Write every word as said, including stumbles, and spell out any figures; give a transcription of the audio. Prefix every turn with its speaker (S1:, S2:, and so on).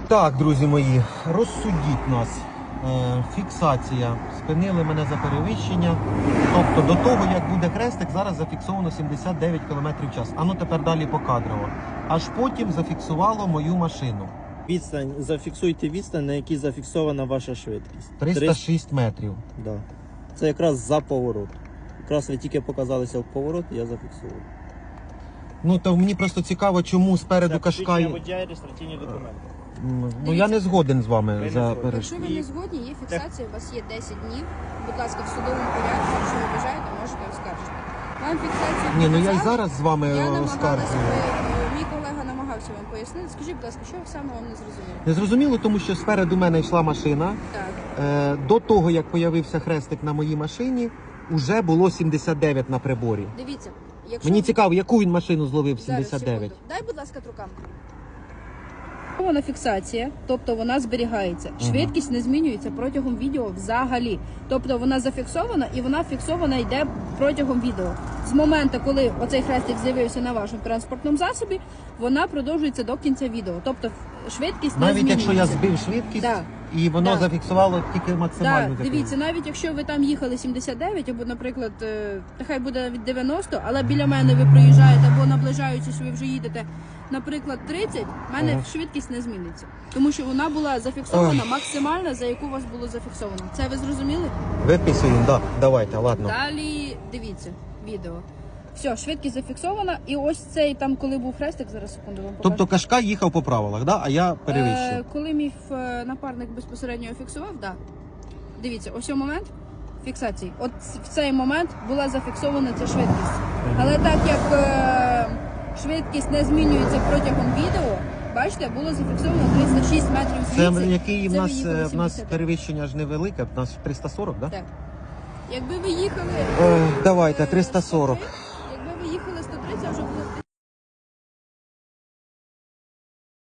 S1: Так, друзі мої, розсудіть нас. Е, фіксація. Спинили мене за перевищення. Тобто до того, як буде хрестик, зараз зафіксовано сімдесят дев'ять кілометрів в час. А ну тепер далі покадрово. Аж потім зафіксувало мою машину.
S2: Відстань, зафіксуйте відстань, на якій зафіксована ваша швидкість.
S1: триста шість метрів.
S2: Да. Це якраз за поворот. Якраз ви тільки показалися в поворот, я зафіксував.
S1: Ну, то мені просто цікаво, чому спереду
S2: Це
S1: Кашкай...
S2: посвідчення водія і реєстраційні документи.
S1: Ну, я не згоден з вами
S2: Ви не
S1: за
S2: згодні.
S1: переш...
S3: Якщо ви не згодні, є фіксація, у вас є десять днів. Будь ласка, в судовому порядку, якщо ви бажаєте, можете оскаржити. Вам фіксацію
S1: Ні, ну я й
S3: показали.
S1: зараз з вами
S3: Я намагалася,
S1: оскаржую.
S3: ви- мій колега намагався вам пояснити. Скажіть, будь ласка, що саме вам не зрозуміло?
S1: Не зрозуміло, тому що спереду мене йшла машина.
S3: Так.
S1: Е, до того, як появився хрестик на моїй машині, уже було сімдесят дев'ять на приборі.
S3: Дивіться, якщо...
S1: Мені цікаво, яку він машину зловив
S3: Зараз,
S1: сімдесят дев'ять?
S3: секунду. Дай, будь ласка, трукам. Вона фіксація, тобто вона зберігається. Швидкість не змінюється протягом відео взагалі. Тобто вона зафіксована і вона фіксована йде протягом відео. З моменту, коли оцей хрестик з'явився на вашому транспортному засобі, вона продовжується до кінця відео. Тобто швидкість не
S1: Навіть
S3: змінюється.
S1: якщо я збив швидкість,
S3: Да.
S1: і воно
S3: Да.
S1: зафіксувало тільки максимальну
S3: Так, дивіться, навіть якщо ви там їхали сімдесят дев'ять, або, наприклад, е, нехай буде від дев'яносто, але біля мене ви проїжджаєте, або наближаючись, ви вже їдете, наприклад, тридцять, в мене
S1: Ага.
S3: швидкість не зміниться. Тому що вона була зафіксована максимальна, за яку у вас було зафіксовано. Це ви зрозуміли?
S1: Виписуємо, да. Давайте, ладно.
S3: Далі дивіться відео. Все, швидкість зафіксована, і ось цей там, коли був хрестик, зараз секунду вам покажу.
S1: Тобто Кашкай їхав по правилах, да? А я перевищив.
S3: Е, коли мій е, напарник безпосередньо його фіксував, да. Дивіться, ось цей момент фіксації. От в цей момент була зафіксована ця швидкість. Але так як е, швидкість не змінюється протягом відео, бачите, було зафіксовано триста шість метрів
S1: Це
S3: звідси.
S1: який в
S3: Це ви
S1: нас,
S3: їхали
S1: е, в нас
S3: сімдесят.
S1: перевищення ж невелике, в нас триста сорок, да?
S3: Так. Якби ви їхали...
S1: Е, давайте,
S3: е,
S1: триста сорок.
S3: сто тридцять, якби ви їхали сто тридцять, вже було